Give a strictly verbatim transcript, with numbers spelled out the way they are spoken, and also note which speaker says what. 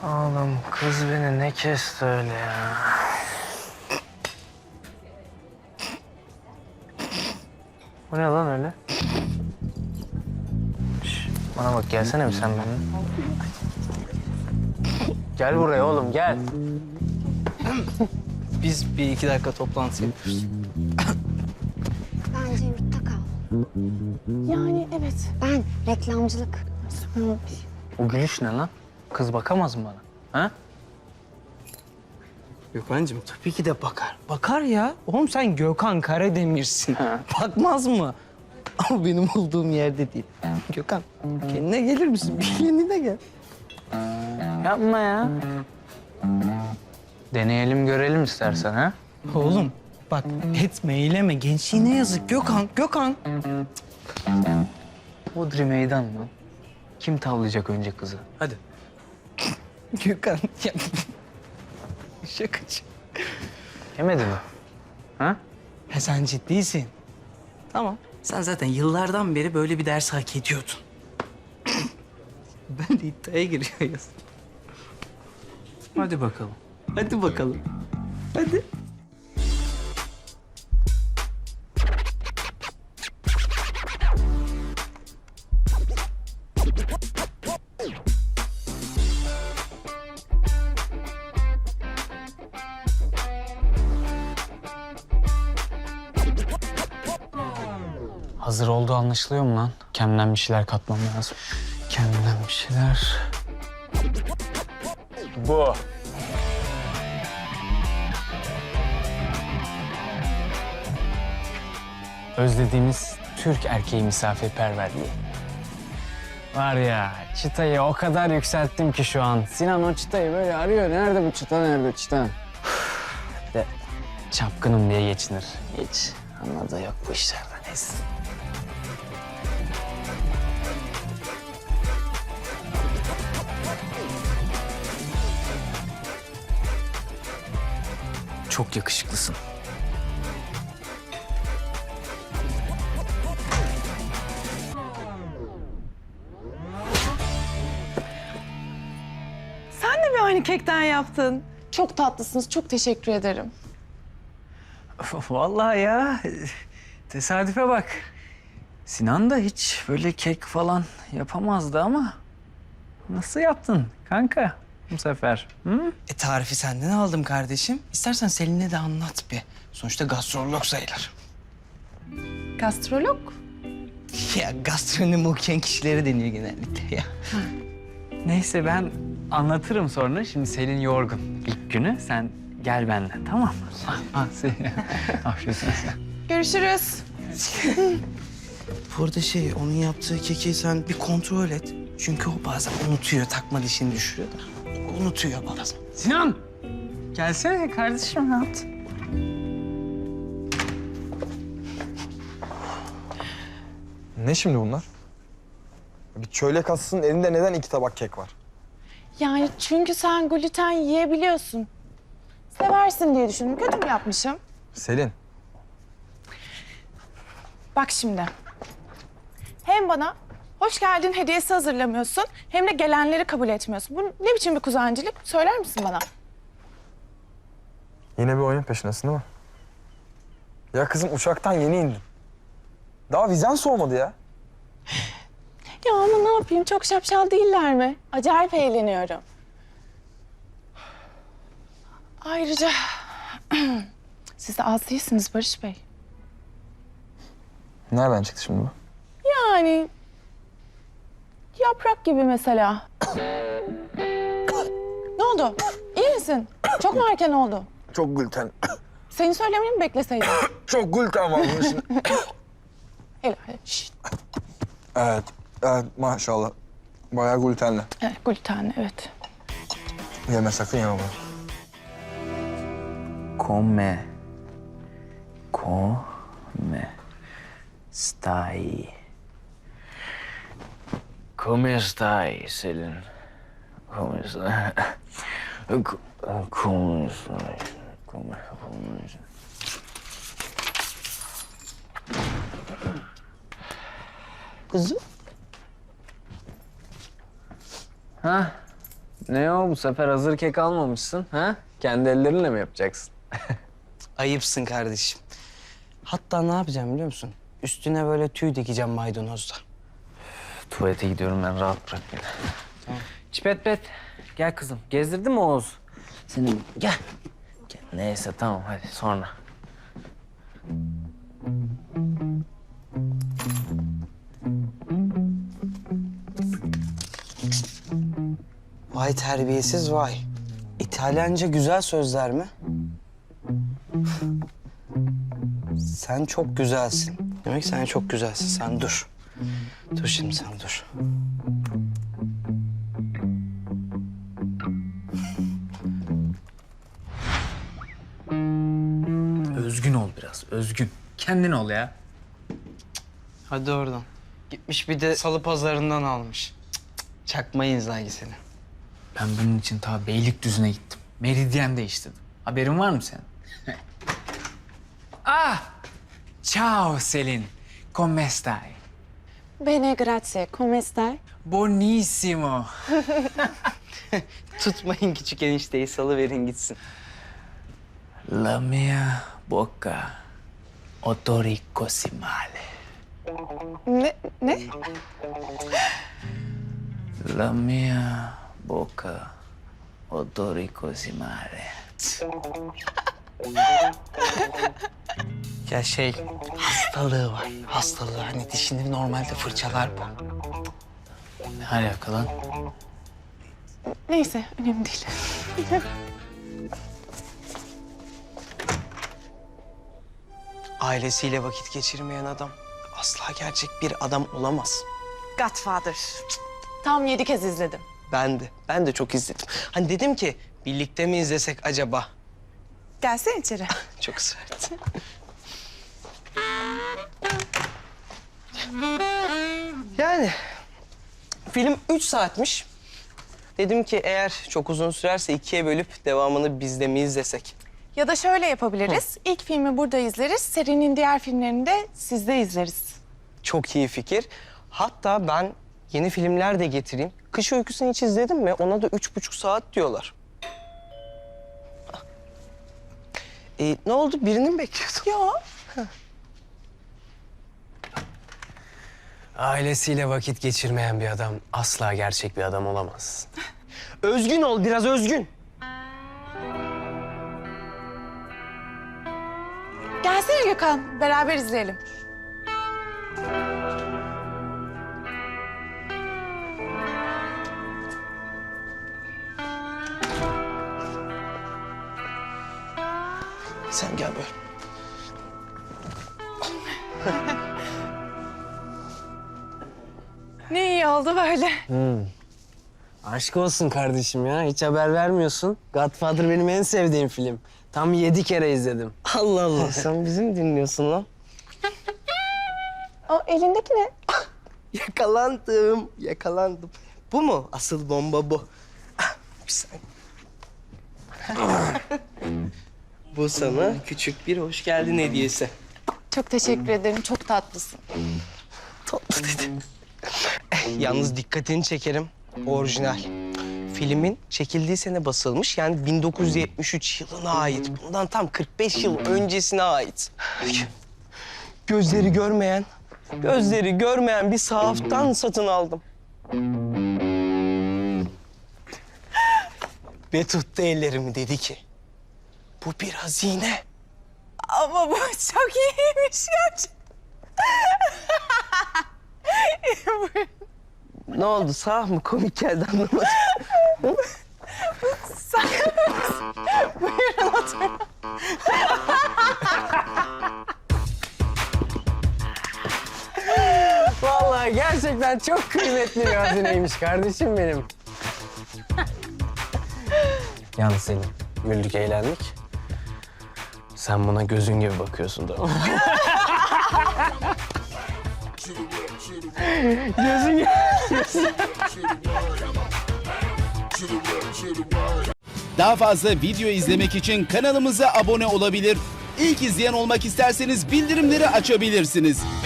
Speaker 1: Oğlum kız beni ne kesti öyle ya? Bu ne lan öyle? Şş, bana bak gelsene bir sen benimle. Gel buraya oğlum gel.
Speaker 2: Biz bir iki dakika toplantı yapıyoruz.
Speaker 3: Bence yurtta kal.
Speaker 4: Yani evet.
Speaker 3: Ben reklamcılık.
Speaker 1: O gülüş ne lan? Kız bakamaz mı bana? Ha?
Speaker 2: Gökhan'cığım tabii ki de bakar. Bakar ya. Oğlum sen Gökhan Karademir'sin. Bakmaz mı? Ama benim olduğum yerde değil. Gökhan kendine gelir misin? Bir kendine gel.
Speaker 1: Yapma ya. Deneyelim görelim istersen ha.
Speaker 2: Oğlum bak etme eyleme. Gençliğine yazık Gökhan. Gökhan.
Speaker 1: Bodri meydan mı? Kim tavlayacak önce kızı? Hadi.
Speaker 2: Gökhan. Ya. Şakacı.
Speaker 1: Yemedi mi? Ha?
Speaker 2: Ha, sen ciddisin. Tamam. Sen zaten yıllardan beri böyle bir ders hak ediyordun. Ben de iddiaya giriyoruz.
Speaker 1: Hadi bakalım.
Speaker 2: Hadi bakalım. Hadi.
Speaker 1: Hazır olduğu anlaşılıyor mu lan? Kendimden bir şeyler katmam lazım. Kendimden bir şeyler. Bu. Özlediğimiz Türk erkeği misafirperverliği. Var ya, çıtayı o kadar yükselttim ki şu an. Sinan o çıtayı böyle arıyor. Nerede bu çıta, nerede çıta? Bir de çapkınım diye geçinir. Hiç anladığı yok bu işlerden. Neyse. Çok yakışıklısın.
Speaker 4: Sen de mi aynı kekten yaptın? Çok tatlısınız. Çok teşekkür ederim.
Speaker 1: Vallahi ya, tesadüfe bak. Sinan da hiç böyle kek falan yapamazdı ama nasıl yaptın kanka bu sefer? Hı?
Speaker 2: E tarifi senden aldım kardeşim. İstersen Selin'e de anlat bir. Sonuçta gastrolog sayılır.
Speaker 4: Gastrolog?
Speaker 2: Ya gastronomi okuyan kişileri deniyor genellikle ya.
Speaker 1: Neyse ben anlatırım sonra. Şimdi Selin yorgun ilk günü. Sen gel benimle tamam mı? Ah, ah, Selin. Afiyet olsun.
Speaker 4: Görüşürüz.
Speaker 2: Burada şey, onun yaptığı keki sen bir kontrol et. Çünkü o bazen unutuyor, takma dişini düşürüyor da. Unutuyor bazen.
Speaker 1: Sinan! Gelsene kardeşim rahat.
Speaker 5: Ne şimdi bunlar? Bir çölyak aslının elinde neden iki tabak kek var?
Speaker 4: Yani çünkü sen gluten yiyebiliyorsun. Seversin diye düşündüm. Kötü mü yapmışım?
Speaker 5: Selin,
Speaker 4: Bak şimdi. Hem bana hoş geldin hediyesi hazırlamıyorsun, hem de gelenleri kabul etmiyorsun. Bu ne biçim bir kuzancılık? Söyler misin bana?
Speaker 5: yine bir oyun peşindesin değil mi? Ya kızım uçaktan yeni indin. Daha vizen soğumadı ya.
Speaker 4: Ya ama ne yapayım? Çok şapşal değiller mi? Acayip eğleniyorum. Ayrıca siz de az değilsiniz Barış Bey.
Speaker 5: Nereden çıktı şimdi bu?
Speaker 4: Yani yaprak gibi mesela. Ne oldu? İyi misin? Çok mu erken oldu?
Speaker 5: Çok gluten.
Speaker 4: Senin söylemeni mi bekleseydim?
Speaker 5: Çok gluten var bunun içinde.
Speaker 4: Helal. Şişt.
Speaker 5: Evet, evet maşallah. Bayağı glutenli.
Speaker 4: Evet, glutenli, evet.
Speaker 5: Yeme sakın yeme bunu.
Speaker 1: Come. Come. Stai. Come stai, Selin? Come stai? Co- Come stai? Come, come stai?
Speaker 2: Kızım.
Speaker 1: Ha? Ne o bu sefer hazır kek almamışsın ha? Kendi ellerinle mi yapacaksın?
Speaker 2: Ayıpsın kardeşim. Hatta ne yapacağım biliyor musun? Üstüne böyle tüy dikeceğim maydanozla.
Speaker 1: Tuvalete gidiyorum ben, rahat bırak beni. Tamam. Çipet pet, gel kızım. Gezdirdin mi Oğuz? Seni gel. Gel. Neyse tamam hadi sonra.
Speaker 2: Vay terbiyesiz vay. İtalyanca güzel sözler mi? Sen çok güzelsin. Demek sen çok güzelsin. Sen dur. Dur şimdi sen dur.
Speaker 1: Özgün ol biraz, özgün. Kendin ol ya.
Speaker 2: Hadi oradan. Gitmiş bir de salı pazarından almış. Cık cık, çakmayız lan seni.
Speaker 1: Ben bunun için ta Beylikdüzü'ne gittim. Meridyen değiştirdim. Haberin var mı senin? Ah! Ciao Selin. Come stai?
Speaker 3: Bene, grazie. Come stai?
Speaker 1: Buonissimo.
Speaker 2: Tutmayın küçük enişteyi, salıverin gitsin.
Speaker 1: La mia bocca odori così male.
Speaker 4: Ne? Ne?
Speaker 1: La mia bocca odori così male.
Speaker 2: Ya şey, hastalığı var. Hastalığı hani dişini normalde fırçalar bu.
Speaker 1: Ne alaka lan?
Speaker 4: Neyse, önemli değil.
Speaker 2: Ailesiyle vakit geçirmeyen adam asla gerçek bir adam olamaz.
Speaker 4: Godfather. Tam yedi kez izledim.
Speaker 2: Ben de, ben de çok izledim. Hani dedim ki birlikte mi izlesek acaba?
Speaker 4: Gelsene içeri.
Speaker 2: Çok ısrar etti. Yani film üç saatmiş. Dedim ki eğer çok uzun sürerse ikiye bölüp devamını biz de mi izlesek?
Speaker 4: Ya da şöyle yapabiliriz. İlk filmi burada izleriz. Serinin diğer filmlerini de sizde izleriz.
Speaker 2: Çok iyi fikir. Hatta ben yeni filmler de getireyim. Kış Uykusu'nu hiç izledin mi? Ona da üç buçuk saat diyorlar. Ee, ne oldu? Birini mi bekliyordun?
Speaker 4: Yok.
Speaker 6: Ailesiyle vakit geçirmeyen bir adam asla gerçek bir adam olamaz.
Speaker 2: Özgün ol, biraz özgün.
Speaker 4: Gelsene Gökhan. Beraber izleyelim.
Speaker 2: Sen gel böyle.
Speaker 4: Ne iyi oldu böyle.
Speaker 6: Aşk olsun kardeşim ya. Hiç haber vermiyorsun. Godfather benim en sevdiğim film. Tam yedi kere izledim.
Speaker 2: Allah Allah, sen bizi mi dinliyorsun lan?
Speaker 4: O elindeki ne?
Speaker 2: Yakalandım, yakalandım. Bu mu? Asıl bomba bu. Ah, bir saniye. Bu sana küçük bir hoş geldin hediyesi.
Speaker 4: Çok teşekkür ederim. Çok tatlısın.
Speaker 2: Tatlı dedim. Yalnız dikkatini çekerim. Orijinal. Filmin çekildiği sene basılmış. Yani bin dokuz yüz yetmiş üç yılına ait. Bundan tam kırk beş yıl öncesine ait. Gözleri görmeyen, gözleri görmeyen bir sahaftan satın aldım. Ve tuttu ellerimi, dedi ki, bu bir hazine.
Speaker 4: Ama bu çok iyiymiş gerçekten.
Speaker 2: Ne oldu, sağ mı? Komik geldi, anlamadım.
Speaker 4: Buyurun oturun.
Speaker 6: Vallahi gerçekten çok kıymetli bir hazineymiş kardeşim benim. Yalnız Selim, güldük, eğlendik. Sen buna gözün gibi bakıyorsun da. Gözün gibi.
Speaker 7: Daha fazla video izlemek için kanalımıza abone olabilir. İlk izleyen olmak isterseniz bildirimleri açabilirsiniz.